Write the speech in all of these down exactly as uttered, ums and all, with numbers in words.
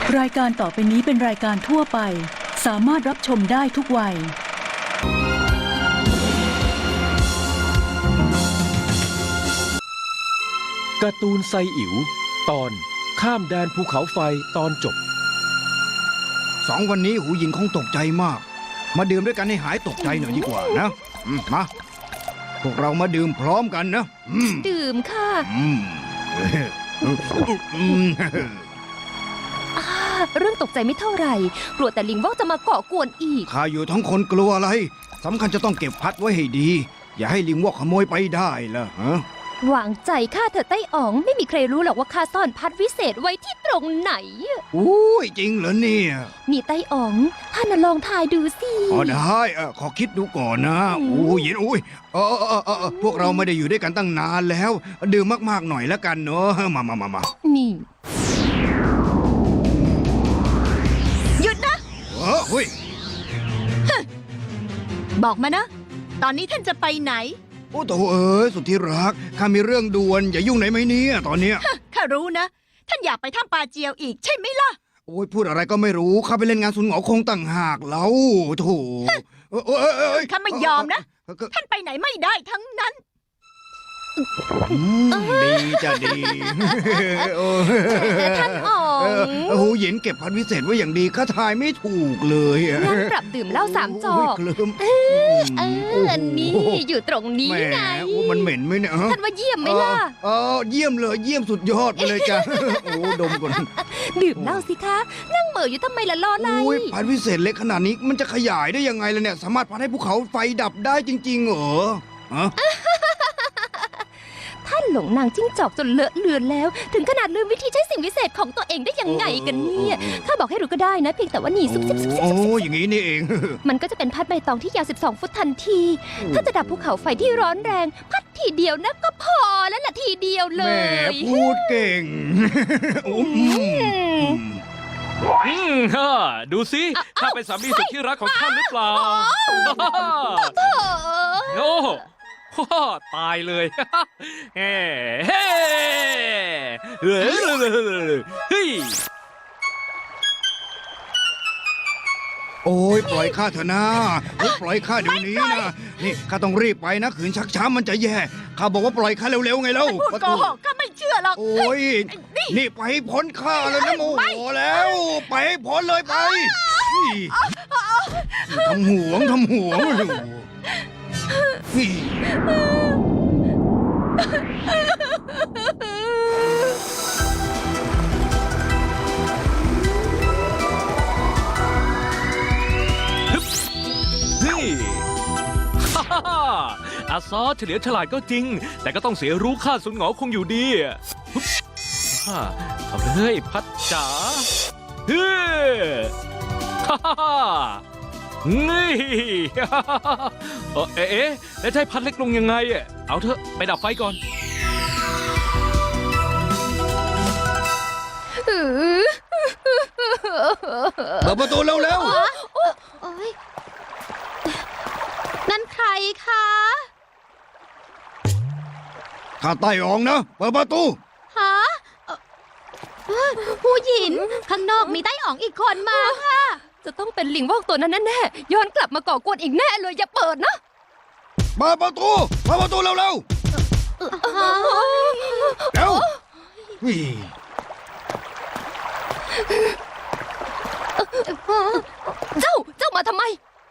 รายการต่อไปนี้เป็นรายการทั่วไปสามารถรับชมได้ทุกวัยการ์ตูนไซอิ๋วตอนข้ามแดนภูเขาไฟตอนจบสองวันนี้หูหญิงคงตกใจมากมาดื่มด้วยกันให้หายตกใจหน่อยดีกว่านะอืมมาพวกเรามาดื่มพร้อมกันนะอืมดื่มค่ะอืมอืมอ่าเรื่องตกใจไม่เท่าไหร่ กลัวแต่ลิงวอกจะมาก่อกวนอีกข้าอยู่ทั้งคนกลัวอะไรสำคัญจะต้องเก็บพัดไว้ให้ดี อย่าให้ลิงวอกขโมยไปได้ล่ะฮะวางใจข้าเถอะไต้อ๋องไม่มีใครรู้หรอกว่าข้าซ่อนพัดวิเศษไว้ที่ตรงไหนอุ้ยจริงเหรอเนี่ยนี่ไต้อ๋องท่านน่ะลองทายดูสิอ๋อได้เออขอคิดดูก่อนนะอู้หญิงอุ้ยเออเออเออเออพวกเราไม่ได้อยู่ด้วยกันตั้งนานแล้ว ดื่มมากๆหน่อยแล้วกันเนอะมามามามานี่หยุดนะเออเฮ้ยบอกมานะ ตอนนี้ท่านจะไปไหนโอ้โถเอ้ยสุดที่รักข้ามีเรื่องด่วนอย่ายุ่งไหนไหมเนี่ยตอนเนี้ยข้ารู้นะ ท่านอยากไปถ้ำปาเจียวอีกใช่ไหมล่ะโอ้ยพูดอะไรก็ไม่รู้ข้าไปเล่นงานสุนหงอคงต่างหากแล้วโถเอ้ยเอ้ยเอ้ยข้าไม่ยอมนะเอ้ยเอ้ยท่านไปไหนไม่ได้ทั้งนั้นอืมดีจะดีเออแต่ท่านอ๋อเออง หูหยินเก็บพันวิเศษไว้อย่างดีข้าทายไม่ถูกเลยอะงั้นปรับดื่มเหล้าสามจอโยกเคลิ้มเอออันนี้อยู่ตรงนี้แหมไงโอ้มันเหม็นไหมเนี่ยฮะท่านว่าเยี่ยมไหมล่ะเออเออเยี่ยมเลยเยี่ยมสุดยอดไปเลยจ้ะโอ้ดมก่อนดื่มเหล้าสิคะ นั่งเหม่ออยู่ทำไมล่ะรออะไรโอ้ยพันวิเศษเล็กขนาดนี้มันจะขยายได้ยังไงล่ะเนี่ย สามารถพัดให้ภูเขาไฟดับได้จริงๆเหรอฮะท่านหลงนางจิ้งจอกจนเลอะเลือนแล้ว ถึงขนาดลืมวิธีใช้สิ่งวิเศษของตัวเองได้ยังไงกันเนี่ยข้าบอกให้รู้ก็ได้นะเพียงแต่ว่าหนีซุบซิบซุบซิบโอ้อย่างนี้นี่เองมันก็จะเป็นพัดใบตองที่ยาวสิบสองฟุตทันที ถ้าจะดับภูเขาไฟที่ร้อนแรง พัดทีเดียวนะก็พอแล้วล่ะทีเดียวเลแม่ยพูดเก่งอืมอืมฮ่าดูสิข้าเป็นสามีสุดที่รักของท่านหรือเปล่า โอ้ฮ่าตายเลยเฮ้เฮ้เฮ้เฮ้ยโอ้ยปล่อยข้าเถอะนะเฮ้ยปล่อยข้าเดี๋ยวนี้นะนี่ข้าต้องรีบไปนะขืนชักช้ามันจะแย่ข้าบอกว่าปล่อยข้าเร็วๆไงเล่าพูดโกหกข้าไม่เชื่อหรอกโอ้ยนี่นี่ไปให้พ้นข้าเลยนะโมโหแล้ว ไปให้พ้นเลยไปนี่ทำหวงทำหวงนี่นี่ฮ่าฮ่าฮ่าอาซอเฉลียวฉลาดก็จริง แต่ก็ต้องเสียรู้ค่าสุนหงอคงอยู่ดีฮึบฮ่าเอาเลยพัดจ๋าเฮ้ฮ่าฮ่าฮ่านี่ฮ่าฮ่าฮ่าเอ่อเอ๊ะเอ๊ะแล้วจะให้พัดเล็กลงยังไงอะเอาเถอะไปดับไฟก่อนเปิดประตูเร็วโอ๊ยนั่นใครคะๆข้าใต้อองนะเปิดประตูฮะผู้หญิงข้างนอกมีไต้อ๋องอีกคนมาค่ะ จะต้องเป็นลิงวอกตัวนั้นแน่ๆย้อนกลับมาก่อกวนอีกแน่เลยอย่าเปิดนะเปิดประตูเปิดประตูเร็วๆเร็วนี่เจ้าเจ้ามาทำไม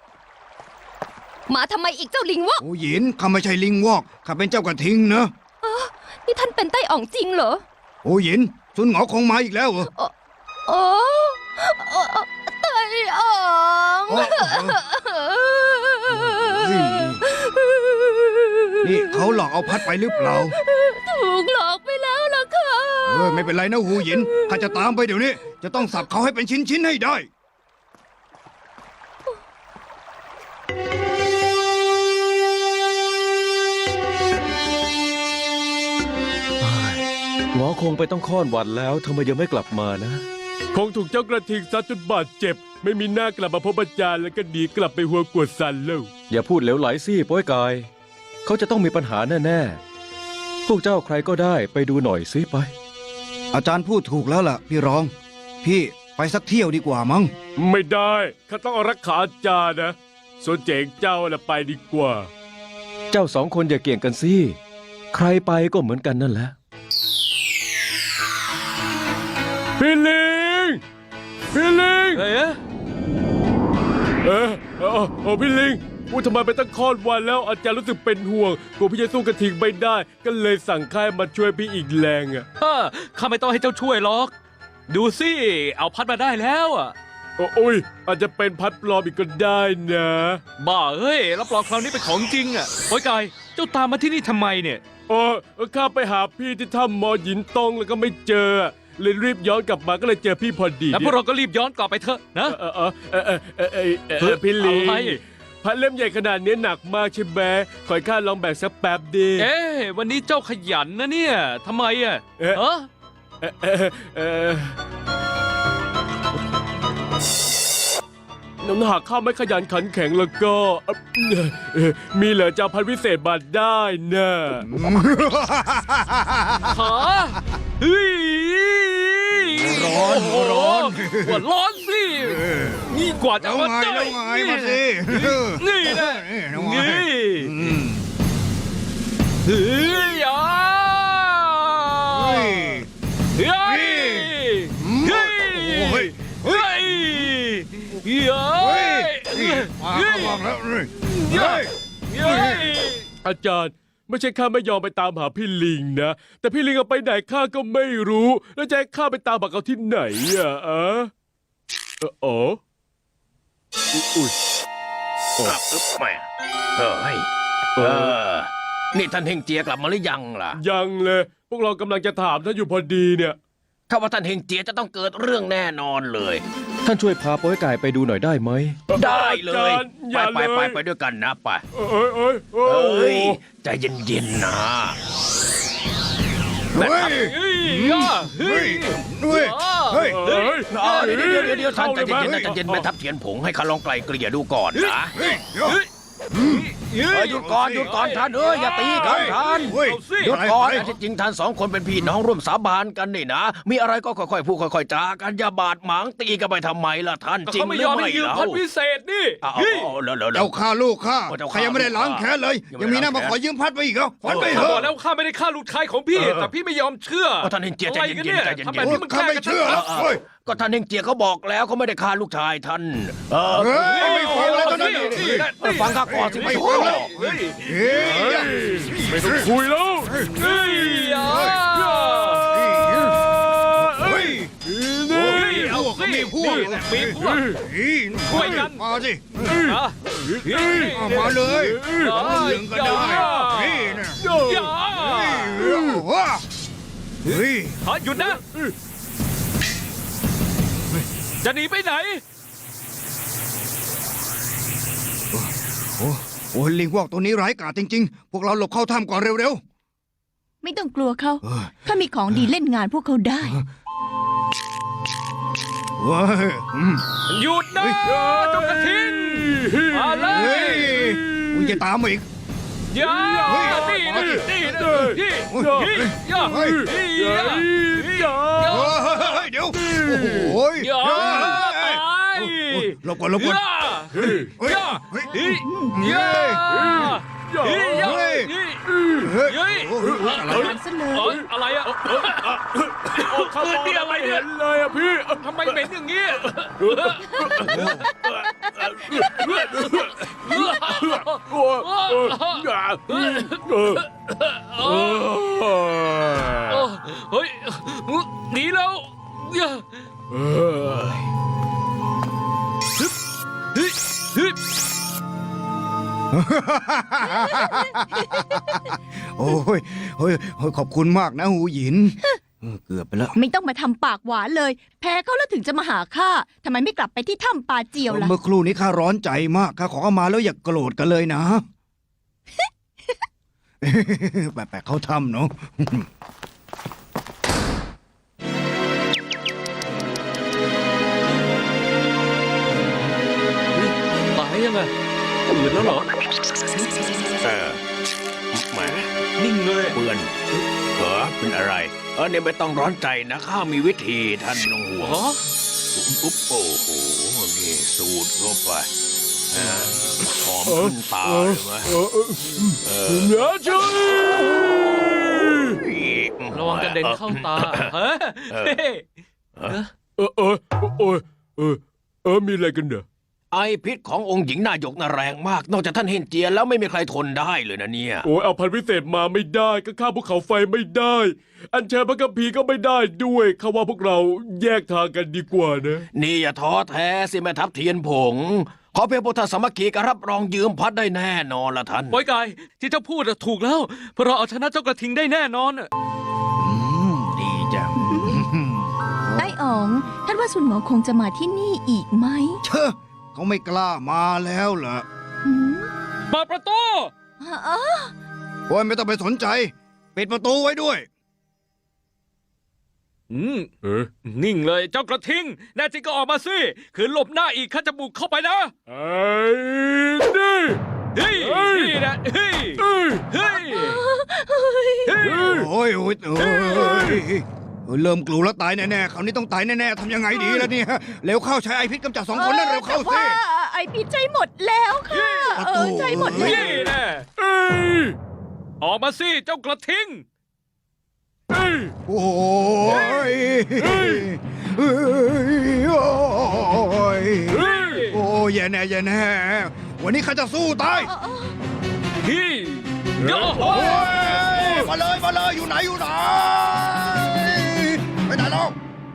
มาทำไมอีกเจ้าลิงวอกโอ้หยินข้าไม่ใช่ลิงวอกข้าเป็นเจ้ากระทิงนะนี่ท่านเป็นไต้อ๋องจริงเหรอโอ้หยินสุนหงอคงมาอีกแล้วเหรอโอ้ไต้อ๋องโอ้เฮ้ยนี่เขาหลอกเอาพัดไปหรือเปล่าถูกหลอกไปแล้วล่ะค่ะเฮ้ยไม่เป็นไรนะหูหยินข้าจะตามไปเดี๋ยวนี้ จะต้องสับเขาให้เป็นชิ้นๆให้ได้หงอคงไปต้องค้อนวันแล้วทำไมยังไม่กลับมานะคงถูกเจ้ากระทิงซัดจนบาดเจ็บ ไม่มีหน้ากลับมาพบอาจารย์แล้วก็หนีกลับไปหัวกวดสันแล้วอย่าพูดเหลวไหลสิโป้ยกาย เขาจะต้องมีปัญหาแน่ๆ พวกเจ้าใครก็ได้ไปดูหน่อยสิไปอาจารย์พูดถูกแล้วล่ะ พี่รอง พี่ไปสักเที่ยวดีกว่ามั้งไม่ได้ข้าต้องเอารักขาอาจารย์นะส่วนเจ๋งเจ้าน่ะไปดีกว่าเจ้าสองคนอย่าเกี่ยงกันสิ ใครไปก็เหมือนกันนั่นแหละพี่ลิง พี่ลิงเอ๊ะเออเออเออพี่ลิงว่าทำไมไปตั้งคลอดวันแล้วอาจารย์รู้สึกเป็นห่วงกลัวพี่จะสู้กระทิงไม่ได้ ก็เลยสั่งค่ายมาช่วยพี่อีกแรงอ่ะฮ่าข้าไม่ต้องให้เจ้าช่วยหรอก ดูสิ เอาพัดมาได้แล้วอ่ะโอ้ยอาจจะเป็นพัดปลอมอีกก็ได้นะบ้าเอ้ยรับรองคราวนี้เป็นของจริงอ่ะโอ้ยกายเจ้าตามมาที่นี่ทำไมเนี่ยเออข้าไปหาพี่ที่ถ้ำมอหยินตงแล้วก็ไม่เจอเลยรีบย้อนกลับมาก็เลยเจอพี่พอดีแล้วพวกเราก็รีบย้อนกลับไปเถอะนะเออเออเออเออเออเออเออเออพี่ลิงอะไรพัดเล่มใหญ่ขนาดนี้หนักมากใช่ไหมขอให้ข้าลองแบกสักแป๊บดีเอ๊ะวันนี้เจ้าขยันนะเนี่ยทำไมอ่ะเอ๊ะเออเออเออเออน้ำหากข้าไม่ขยันขันแข็งแล้วก็เอ่อเอ่อมีเหรอจะเอาพันวิเศษมาได้นะขาเฮ้ยร้อนโอ้โหร้อนหัวร้อนสิ นี่กว่าจะแล้วมาไงได้แล้วไงมาสินี่นะแล้วไงนี่อืมเฮ้ยอ่ะเฮ้ยเฮ้ยอืมเฮ้ยโอ้ยเฮ้ยเฮ้ยเฮ้ยนี่มาเข้ามาแล้วเฮ้ยเฮ้ยเฮ้ยอาจารย์ไม่ใช่ข้าไม่ยอมไปตามหาพี่ลิงนะ แต่พี่ลิงเอาไปไหนข้าก็ไม่รู้ แล้วจะให้ข้าไปตามหาเขาที่ไหนอ่ะอะเอออ๋ออุ้ยครับอึ๊บแหม่เฮ้ยเออ นี่ท่านเฮงเจียกลับมาหรือยังล่ะยังเลย พวกเรากำลังจะถามท่านอยู่พอดีเนี่ยข้าว่าท่านเฮงเจียจะต้องเกิดเรื่องแน่นอนเลยท่านช่วยพาโป้ยไก่ไปดูหน่อยได้ไหมได้เลยอาจารย์อไปย่าไปเลยไปไปด้วยกันนะไปเอ้ยเอ้ยเอ้เอ้ยยใจเย็นๆนะเฮ้ยเฮ้ยอ่ะเฮ้ยเฮ้ยเฮ้ยเอ้ยอ๋อเดี๋ยวเดี๋ยวเดี๋ยวเดี๋ยวท่านใจข้าเย็นๆลนะยใจเย็นๆแม่ทัพเทียนผงให้ข้าลองไกลเกลี่ยดูก่อนนะเฮ้ยเฮ้ยเอ้ยหยุดก่อนหยุดก่อนท่านเอ้ยอย่าตีกันท่านเฮ้ยเอาสิหยุดก่อนไปอันที่จริงท่านสองคนเป็นพี่น้องร่วมสาบานกันนี่นะ มีอะไรก็ค่อยๆพูดค่อยๆจากันอย่าบาดหมางตีกันไปทำไมล่ะท่านจริงเขาหไม่รืยออมไม่ให้ยืมเล่าพัดพิเศษนี่เอาเฮ้ยเอาเอาแล้วแล้วแล้เจ้าว ฆ่าลูกข้าโอ้เจ้าใคฆ่ารยังไม่ได้ล้างแค้นเลยยังไม่ยังมีหน้าล้างมาแค้นขอยืมพัดไปอีกเหรอพัดไปเถข้าบออะกแล้วข้าไม่ได้ฆ่าลูกชายของพี่เออแต่พี่ไม่ยอมเชื่อเอาท่านเฮงเจียใจอะไรเย็นๆกันเนี่ยใจเย็นๆทำแบบนี้มันข้าไม่แกล้งกันเชื่อชัดเฮ้ยก็ท่านเฮงเจียเขาบอกแล้วเขาไม่ได้ฆ่าลูกชายท่าน เออเฮ้ยไม่ฟังเลยตอนนี้เออฟังข้าก่อนสิไม่ไม่ฟังฟังแล้วเฮ้ยเฮ้ยไม่ต้องคุยแล้วเฮ้ยอ่ะเฮ้ยเฮ้ยเอาสิมีพวกนี่แหละมีพวก ช่วยกันมาสิอ่ะเฮ้ยเอามาเลยเอาหนึ่งก็ได้นี่นะอย่าเฮ้ยว้าเฮ้ยขอหยุดนะ จะหนีไปไหนโอ้โอ้ลิงพวกตัวนี้ร้ายกาจจริง ๆ พวกเราหลบเข้าถ้ำก่อนเร็วไม่ต้องกลัวเขาๆเออข้ามีของดีเล่นงานพวกเขาได้เฮ้ยอืมหยุดนะเจ้ากระทิงมาเลเฮ้ยยมึงจะตามมาอีกอย่าเฮ้ยนี่นะนี่นะเฮ้ยนี่เฮ้ยนี่อย่าเฮ้ยนี่เฮ้อย่ายเฮ้ยเดี๋ยว โอ้โหอย่าไปหลบก่อนหลบก่อนอย่าเฮ้ยเฮ้ยอย่าเฮ้ยนี่อย่านี่อย่าเฮ้ยนี่เฮ้ยเฮ้ยโอ้โหอะไรมันซะเลเอ้ยยอะไรอะข้าเอมอองนี่อะไรไม่เนี่เห็ยนเลยอะพี่ทำไมเหม็นอย่างนี้โอ้โอ้อย่าเออเออเฮ้ยหนีแล้วอย่าเออเฮ้ยเฮ้ยโอ้ยเฮ้ยเฮ้ยขอบคุณมากนะหูหยินเออเกือบไปแล้วไม่ต้องมาทำปากหวานเลย แพ้เขาแล้วถึงจะมาหาข้าทำไมไม่กลับไปที่ถ้ำปาเจียวล่ะเมื่อครู่นี้ข้าร้อนใจมากข้าขอเข้ามาแล้วอย่าโกรธกันเลยนะ แปะๆเขาทำเนาะตายยังไงตื่นแล้วเหรอเออแหมนิ่งเลยเปื่อนเหรอเป็นอะไร เออเนี่ยไม่ต้องร้อนใจนะข้ามีวิธีท่านไม่ต้องห่วงอ๋ออุ๊บโอ้โหนี่สูดเข้าไปเออหอมขึ้นตาเลยไหมเออเออเดี๋ยวช่วยระวังกระเด็นเข้าตาเฮ้ยเออเออเออเออเออเออมีอะไรกันเด้อไอพิษขององค์หญิงนายกน่ะแรงมาก นอกจากท่านเฮนเจียแล้วไม่มีใครทนได้เลยนะเนี่ยโอ้ยเอาพันธุ์พิเศษมาไม่ได้ก็ข้ามภูเขาไฟไม่ได้ อันเชิญพระกัมพีร์ก็ไม่ได้ด้วยเขาว่าพวกเราแยกทางกันดีกว่านะนี่อย่าท้อแท้สิแม่ทัพเทียนผง ขอเพียงพุทธสามัคคีก็รับรองยืมพัดได้แน่นอนละท่านปอยกายที่เจ้าพูดอะถูกแล้วเพราะเราเอาชนะเจ้ากระทิงได้แน่นอนอะอืมดีจังไอ้อ๋องท่านว่าสุนหมอคงจะมาที่นี่อีกไหมเชอะเขาไม่กล้ามาแล้วเหรอหืมเปิดประตูอ๋อโอ้ยไม่ต้องไปสนใจ ปิดประตูไว้ด้วยอืมเออนิ่งเลยเจ้ากระทิงแน่จริงก็ออกมาสิขืนหลบหน้าอีกข้าจะบุกเข้าไปนะไอ้นี่เฮ้ยเฮ้ยนี่นะเฮ้ยเอ้ยเฮ้ยเฮ้ยโอ้ยโอ้ยโอ้ยเริ่มกลัวแล้วตายแน่ๆคราวนี้ต้องตายแน่ๆทำยังไงดีล่ะเนี่ยเร็วเข้าใช้ไอพิษกำจัดสองคนนั่นเร็วเข้าแต่สิว่าไอพิษใจหมดแล้วค่ะประเอตูอใจหมดแล้วนี่นะเอ้ยออกมาสิเจ้ากระทิงเอ้ยโอ้ยเฮ้ยโอ้ยเฮ้ยโอ้ยแย่แน่แย่แน่วันนี้ข้าจะสู้ตายพี่เดี๋ยวโอ้ยมาเลยมาเลยอยู่ไหนอยู่ไหนไปไหนแล้ว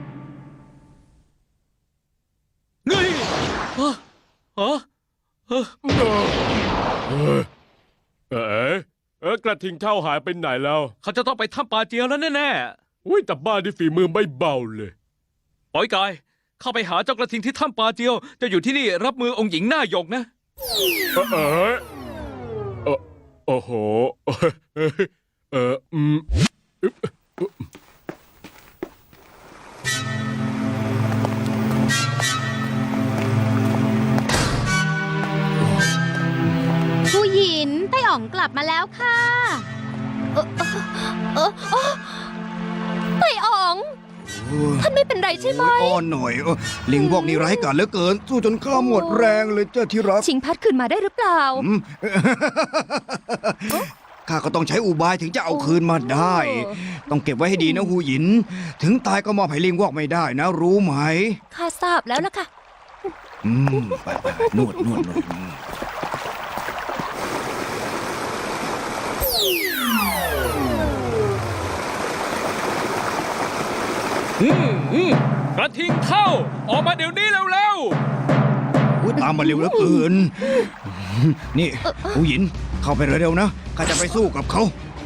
เฮ้ยเฮ้ยเฮ้ยเฮ้ยเออเออเออกระทิงเท่าหายไปไหนแล้วเขาจะต้องไปถ้ำปลาเจียวแล้วแน่อุ้ยแต่บ้านที่ฝีมือไม่เบาเลยๆปอยกายเข้าไปหาเจ้ากระทิงที่ถ้ำปลาเจียวจะอยู่ที่นี่รับมือองค์หญิงหน้าหยกนะเออเออเออโอ้โหเออเอออืมผู้หญิงไต้อ๋องกลับมาแล้วค่ะเออเออเออไต้อ๋อง ท่านไม่เป็นไรใช่ไหมโอ้ยอ้อนหน่อยเออลิงพวกนี้ร้ายกาจเหลือเกิน สู้จนข้าหมดแรงเลยเจ้าที่รักชิงพัดคืนมาได้หรือเปล่าอืม ข้าก็ต้องใช้อุบายถึงจะเอาคืนมาได้ ต้องเก็บไว้ให้ดีนะหูหยิน ถึงตายก็มอบให้ลิงวอกไม่ได้นะ รู้ไหมข้าทราบแล้วล่ะค่ะอืมไปไปไปนวดนวดนวดอืมอืมอืมกระทิงเข้า ออกมาเดี๋ยวนี้เร็วอุ๊ยตามมาเร็วเหลือเกิน นี่หูหยิน เข้าไปเร็วๆนะ ข้าจะไปสู้กับเขา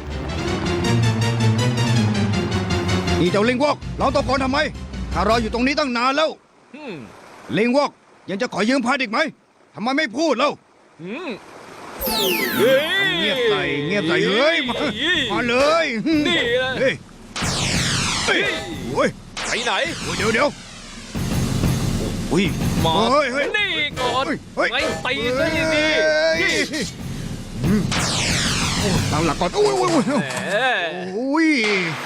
นี่เจ้าลิงวอกเราตะโกนทำไม ข้ารออยู่ตรงนี้ตั้งนานแล้วๆอืมลิงวอกยังจะขอยืมพัดอีกไหมทำไมไม่พูดแล้วอืมเฮ้ยเงียบใส่เงียบใส่เฮ้ยมามาเลยนี่แหละเฮ้ยเฮ้ยโอ้ยไปไหนโอ้ยเดี๋ยวเดี๋ยวโอ้ยมาเฮ้ยเฮ้ยนี่ก่อนเฮ้ยไม่ตีซะอย่างนี้เฮ้ยนี่ตั้งหลักก่อนโอ้ยโอ้ยโอ้ยแหมโอ้ย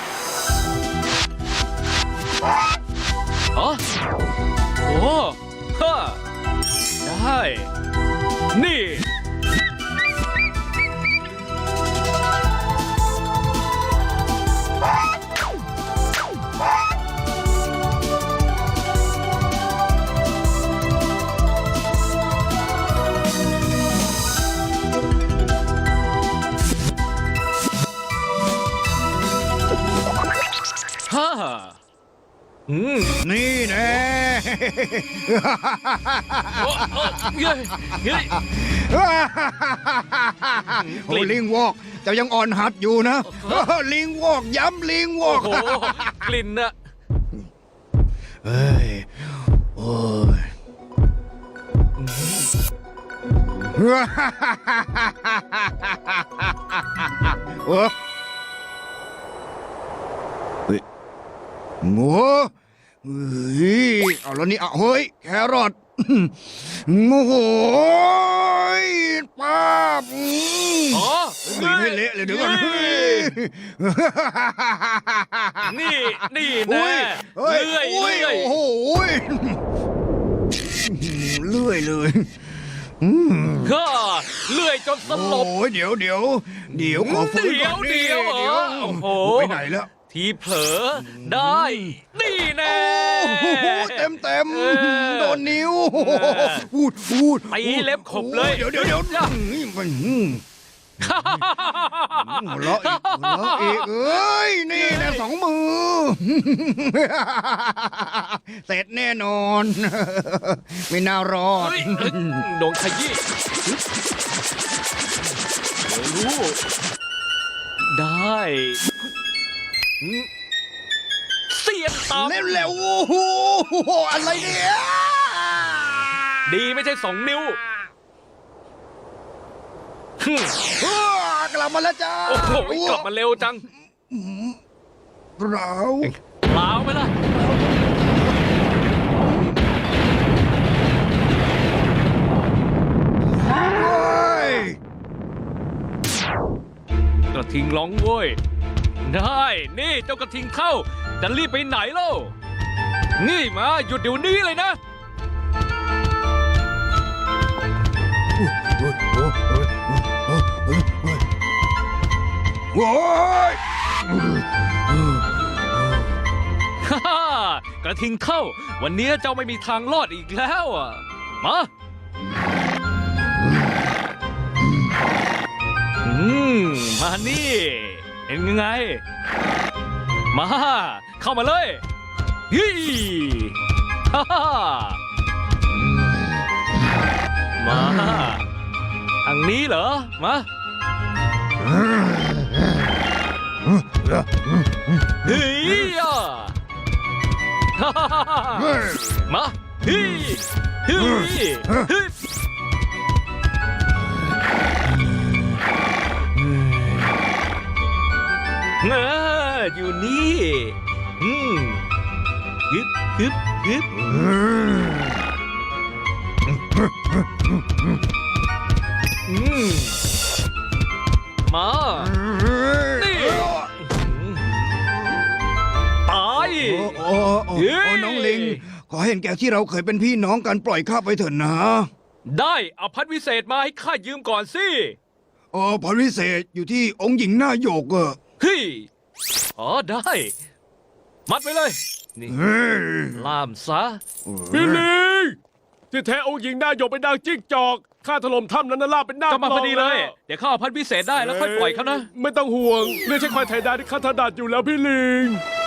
ฮะโอ้ฮะได้ นี่ ฮ่าอืมนี่แน่โอ้โอ้เฮ้ยเฮ้ยโอ้ยลิงวอกเจ้ายังอ่อนหัดอยู่นะ ลิงวอกย้ำลิงวอโอ้กโห กลิ่นอะเฮ้ย โอ้ย เออเฮ้ยโง่เฮ้ยเอาแล้วนี่อ่ะเฮ้ย แครอทโอ้โหยป้าบอืมอ๋อลีนให้เละเลยเดี๋ยวก่อนเฮ้ยนี่ นี่โอ้แน่ยเฮ้ยเลื่อยโอ้ยเลื่อยโอ้โหยเลื่อยเลยอืมก็เลื่อยจนสลบโอ้ยเดี๋ยวเดี๋ยวเดี๋ยวขอฟื้นก่อนเดี๋ยวเดี๋ยวเหรอโอ้โหไปไหนแล้วทีเผลอได้ นี่แน่โอ้โหเต็มเต็มเออโดนนิ้วเออพูดพูดตีเล็บขบเลยเดี๋ยวเดี๋ยวเดี๋ยวอืมมันอืมหัวเราะอีกหัวเราะอีกเอ้ยนี่นะสองมือ เสร็จแน่นอน ไม่น่ารอดเฮ้ยเฮ้ยโดนขยี้เดี๋ยวรู้ได้อืมเสียนตามเร็วๆโอ้โหอะไรเนี่ยดีไม่ใช่สองนิ้วฮึ่มอ้ากลับมาแล้วจ้าโอ้โหกลับมาเร็วจังเราเปล่าไหมล่ะโอ้ยกระทิงร้องโว้ย ได้ นี่เจ้ากระทิงเข้า จะรีบไปไหนเล่า นี่มาหยุดเดี๋ยวนี้เลยนะโอ้ยฮ่าฮ่ากระทิงเข้า วันนี้เจ้าไม่มีทางรอดอีกแล้วอ่ะ มา อืม มานี่เห็นยังไง มา เข้ามาเลยฮีฮ่าฮ่ามาทางนี้เหรอ มาเฮ้ยอ่ะฮ่าฮ่าฮ่าฮ่ามาฮีฮีฮีเอออยู่นี่อืมฮึบฮึบฮึบอืมมา นี่ ตายโอ้โอ้โอ้โอ้น้องลิง ขอเห็นแก่ที่เราเคยเป็นพี่น้องกันปล่อยข้าไปเถอะนะได้เอาพัดวิเศษมาให้ข้ายืมก่อนสิอ๋อพรวิเศษอยู่ที่องค์หญิงหน้าโยกอะเฮ้ยอ๋อได้ มัดไว้เลย นี่เฮ้ยล่ามซะพี่ลิงที่แท้องค์หญิงหน้าหยกเป็นนางจิ้งจอกข้าถล่มถ้ำนั้นน่ะลาบเป็นหน้าก็มาพอดีเลยแล้วเดี๋ยวข้าเอาพัดวิเศษได้แล้วค่อยปล่อยเขานะไม่ต้องห่วงเรื่องใช้ควายไทยดาวที่ข้าถนัดอยู่แล้วพี่ลิง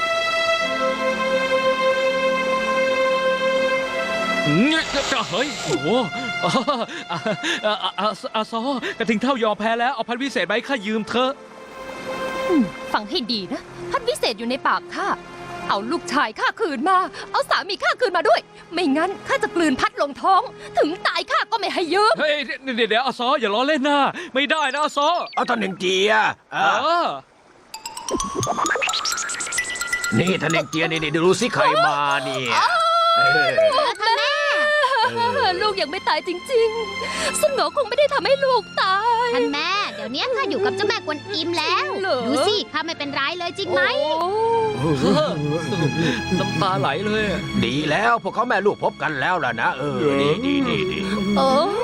อืมจะจะเฮ้ย โอ้โหอ่าอ่าอ่าอ่าอาซอกระทิงเท่ายอมแพ้แล้ว เอาพัดวิเศษไปให้ข้ายืมเถอะฟังให้ดีนะ พัดวิเศษอยู่ในปากข้า เอาลูกชายข้าคืนมา เอาสามีข้าคืนมาด้วย ไม่งั้นข้าจะกลืนพัดลงท้อง ถึงตายข้าก็ไม่ให้ยืมเฮ้ยเดี๋ยวเดี๋ยวอาซออย่าล้อเล่นนะไม่ได้นะอาซอเอาท่านเฮงเจียเออ่ะอนี่ท่านเฮงเจียนี่นี่ดูสิใครมาเนี่ยเออท่านแม่ ลูกยังไม่ตายจริงๆ สนอคงไม่ได้ทำให้ลูกตายท่านแม่ เดี๋ยวนี้ข้าอยู่กับเจ้าแม่กวนอิมแล้วเหรอดูสิข้าไม่เป็นไรเลยจริงไหมน้ำตาไหลเลยอะดีแล้วพวกเขาแม่ลูกพบกันแล้วล่ะนะเออดีดีดีดีโอ้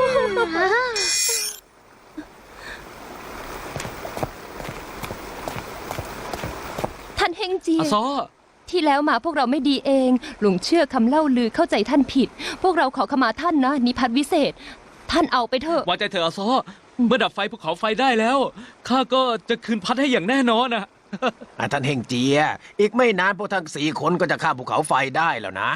ท่านเฮงเจียอาซอที่แล้วมาพวกเราไม่ดีเอง หลงเชื่อคำเล่าลือเข้าใจท่านผิด พวกเราขอขมาท่านนะนิพัฒน์วิเศษ ท่านเอาไปเถอะวางใจเถอะอาซอ เมื่อดับไฟภูเขาไฟได้แล้วข้าก็จะคืนพัดให้อย่างแน่นอนนะอ่ะท่านเฮงเจีย อีกไม่นานพวกทั้งสี่คนก็จะข้ามภูเขาไฟได้แล้วนะ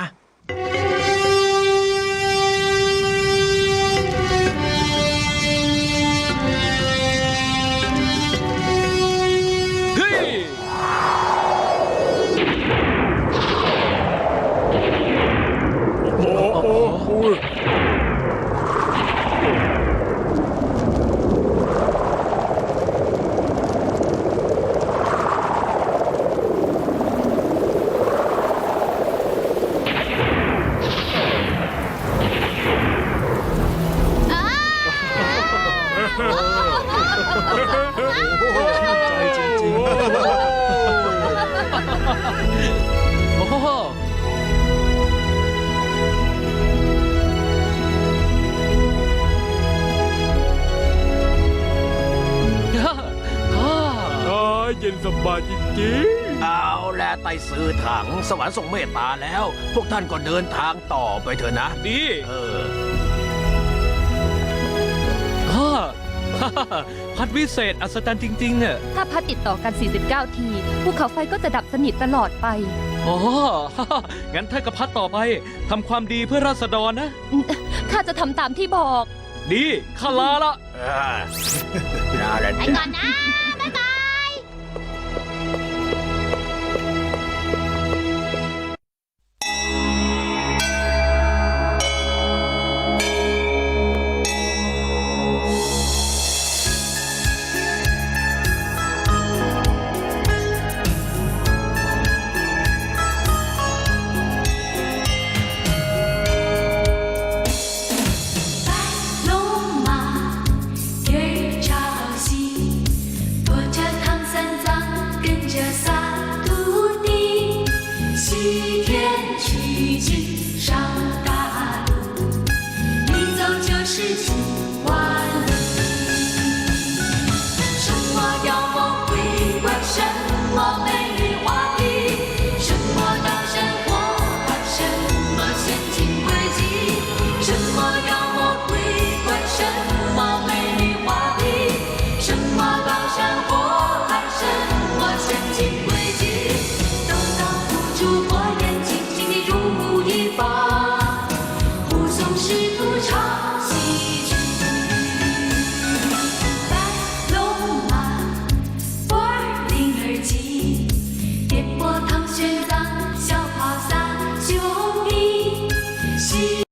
เฮ้ยโอ้โอ้โอ้ยจริงเอาแลไต่ซื้อถังสวรรค์ทรงเมตตาแล้ว พวกท่านก็เดินทางต่อไปเถอะนะดีเออฮ่า ฮ่าฮ่าพัดวิเศษอัศจรรย์จริงๆอ่ะถ้าพัดติดต่อกัน สี่สิบเก้า ทีภูเขาไฟก็จะดับสนิทตลอดไปอ๋อ ฮ่าฮ่างั้นถ้ากับพัดต่อไปทำความดีเพื่อราษฎรนะข้าจะทำตามที่บอกดีข้าลาละอ่าน่าเล่นไปก่อนนะ